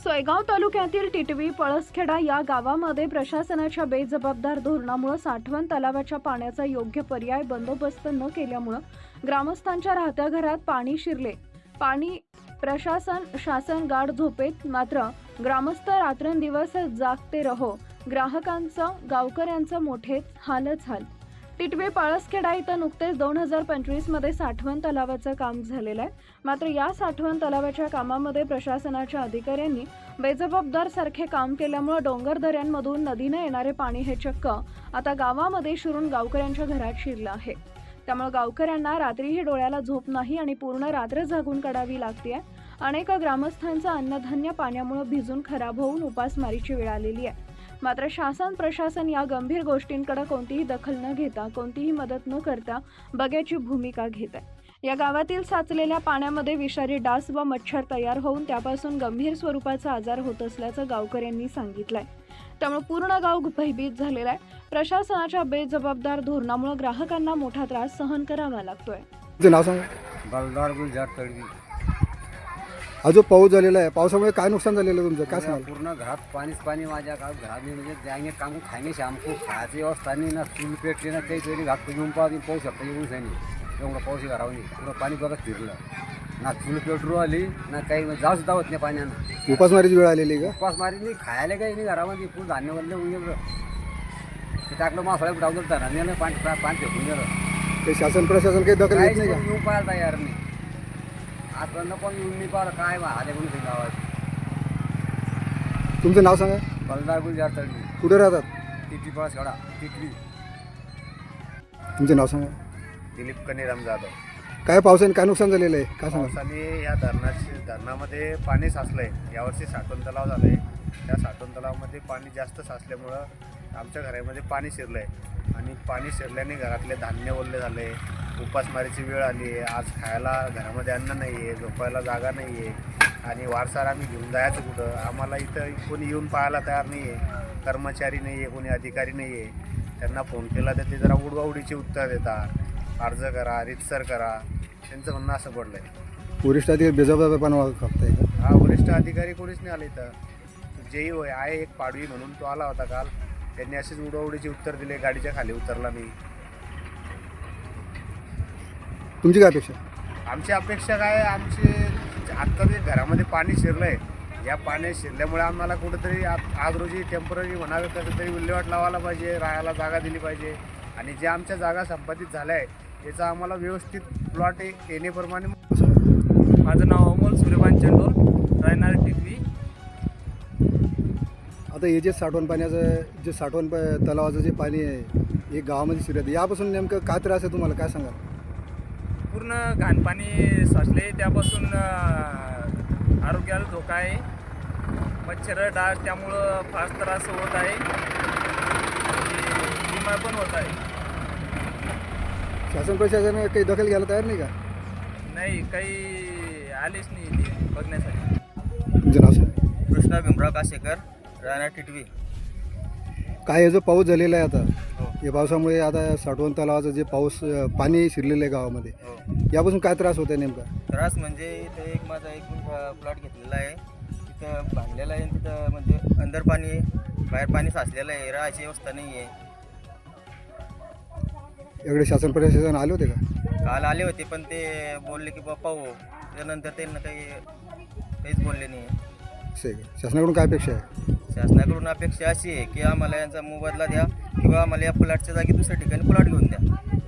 सोयगाव तालुक्यातील टिटवी पळसखेडा या गावामध्ये प्रशासनाच्या बेजबाबदार धोरणामुळे साठवण तलावाच्या पाण्याचा योग्य पर्याय बंदोबस्त न केल्यामुळे ग्रामस्थांच्या राहत्या घरात पाणी शिरले। पाणी शासन गाढ झोपेत, मात्र ग्रामस्थ रात्रंदिवस जागते रहो। ग्राहकांचं गावकऱ्यांचं मोठेच हालच हाल। टिटवी पळसखेडा इथं नुकतेच 2025 मध्ये साठवण तलावाचं काम झालेलं आहे। मात्र या साठवण तलावाच्या कामामध्ये प्रशासनाच्या अधिकाऱ्यांनी बेजबाबदार सारखे काम केल्यामुळे डोंगर दऱ्यांमधून नदीने येणारे पाणी हे चक्क आता गावामध्ये शिरून गावकऱ्यांच्या घरात शिरलं आहे। त्यामुळे गावकऱ्यांना रात्रीही डोळ्याला झोप नाही आणि पूर्ण रात्र जागून काढावी लागते। अनेक ग्रामस्थांचं अन्नधान्य पाण्यामुळे भिजून खराब होऊन उपासमारीची वेळ आलेली आहे। मात्र शासन प्रशासन या गंभीर गोष्टींकडे कोणतीही दखल न घेता, कोणतीही मदत न करता बघ्याची भूमिका घेत आहे। या गावातील साचलेल्या पाण्यामध्ये विषारी डास व मच्छर तयार होऊन त्यापासून गंभीर स्वरूपाचा आजार होत असल्याचं गावकऱ्यांनी सांगितलंय। त्यामुळे पूर्ण गाव भयभीत झालेला आहे। प्रशासनाच्या बेजबाबदार धोरणामुळे ग्राहकांना मोठा त्रास सहन करावा लागतोय। बलदार गुलजार तळवी। आज जो पाऊस झालेला आहे, पावसामुळे काय नुकसान झालेलं आहे तुमचं, काय सांगाल? पूर्ण घरात पाणीच पाणी। माझ्या घरात म्हणजे जाएंगे काम खाएंगे शाम को, खायची व्यवस्था नाही ना, चूल पेटली ना, काही तरी घात घेऊन पाहू शकता येऊच नाही। एवढं पाऊस घरावर नाही, पुरं पाणी बघत फिरलं ना, चूल पेटरू आली ना, काही जाऊ सुद्धा होत नाही पाण्यानं। उपासमारीची वेळ आलेली का? उपासमारी नाही, खायला काही नाही घरामध्ये, फुल धान्य वरले होऊन गेलं ते, टाकलं मासाळ्या डावलं धराने पाणी फेकून गेलं। ते शासन प्रशासन काही दखल घेत नाही का? येऊन पाहायला तयार नाही आजपर्यंत, पण येऊन नाही पाहिलं काय आले म्हणून गावात। तुमचं नाव सांगा। बलदार गुलजार तळवी। कुठे राहतात? टिटवी पळसखेडा टिटवी। तुमचं नाव सांगा। दिलीप कनीराम जाधव। काय पावसाने काय नुकसान झालेलं आहे, काय सांगा? पावसाने या धरणामध्ये पाणी साचलंय। यावर्षी साठवण तलाव झालंय, त्या साठवण तलावामध्ये पाणी जास्त साचल्यामुळं आमच्या घरामध्ये पाणी शिरलंय आणि पाणी शिरल्याने घरातले धान्य ओले झाले, उपासमारीची वेळ आली आहे। आज खायला घरामध्ये अन्न नाही आहे, झोपायला जागा नाही आहे आणि वारसार आम्ही घेऊन जायचं कुठं? आम्हाला इथं कोणी येऊन पाहायला तयार नाही आहे, कर्मचारी नाही आहे, कोणी अधिकारी नाही आहे। त्यांना फोन केला तर ते जरा उडवाउडीची उत्तर देतात, अर्ज करा, रितसर करा, त्यांचं म्हणणं असं पडलं आहे। वरिष्ठ अधिकारी बेजबाबदारपणा करताय का? हा, वरिष्ठ अधिकारी कोणीच नाही आले इथं। जेही होय आहे एक पाडवी म्हणून, तो आला होता काल, त्यांनी असेच उडवाउडीचे उत्तर दिले, गाडीच्या खाली उतरला नाही। तुमची काय अपेक्षा? आमची अपेक्षा काय, आमची आत्ता जे घरामध्ये पाणी शिरलं आहे, या पाणी शिरल्यामुळे आम्हाला कुठंतरी आज रोजी टेम्पररी म्हणावे कसं तरी विल्हेवाट लावायला पाहिजे, राहायला जागा दिली पाहिजे आणि ज्या आमच्या जागा संपादित झाल्या आहे याचा आम्हाला व्यवस्थित प्लॉट येण्याप्रमाणे। माझं नाव अमोल सूर्यकांत चंडोल, राहणार टिटवी। आता हे जे साठवण पाण्याचं, जे साठवण तलावाचं जे पाणी आहे हे गावामध्ये शिरत, यापासून नेमकं काय त्रास आहे तुम्हाला, काय सांगा? पूर्ण घाण पाणी साचले, त्यापासून आरोग्याला धोका आहे। मच्छर डास त्यामुळं फार त्रास होत आहे, बिमार पण होत आहे। शासन प्रशासन काही दखल घ्यायला तयार नाही का? नाही, काही आलेच नाही ते बघण्यासाठी। तुमचं नाव सांगा। कृष्णा भीमराव कासेकर, राहणार टिटवी। काय हे जो पाऊस झालेला आहे आता, हो या पावसामुळे आता साठवण तलावाचं जे पाणी शिरलेलं आहे गावामध्ये, हो, यापासून काय त्रास होत आहे नेमका? त्रास म्हणजे इथं एक माझा प्लॉट घेतलेला आहे, तिथं बांधलेला आहे, तिथं म्हणजे अंदर पाणी आहे, बाहेर पाणी साचलेलं आहे, राहायची व्यवस्था नाही आहे। इकडे शासन प्रशासन आले होते का? काल आले होते, पण ते बोलले की बा पाहू, त्यानंतर त्यांना काहीच बोलले नाही। असं आहे का? शासनाकडून काय अपेक्षा आहे? शासनाकडून अपेक्षा अशी आहे की आम्हाला यांचा मोबदला द्या किंवा आम्हाला या प्लॉटच्या जागी दुसऱ्या ठिकाणी प्लॉट घेऊन द्या।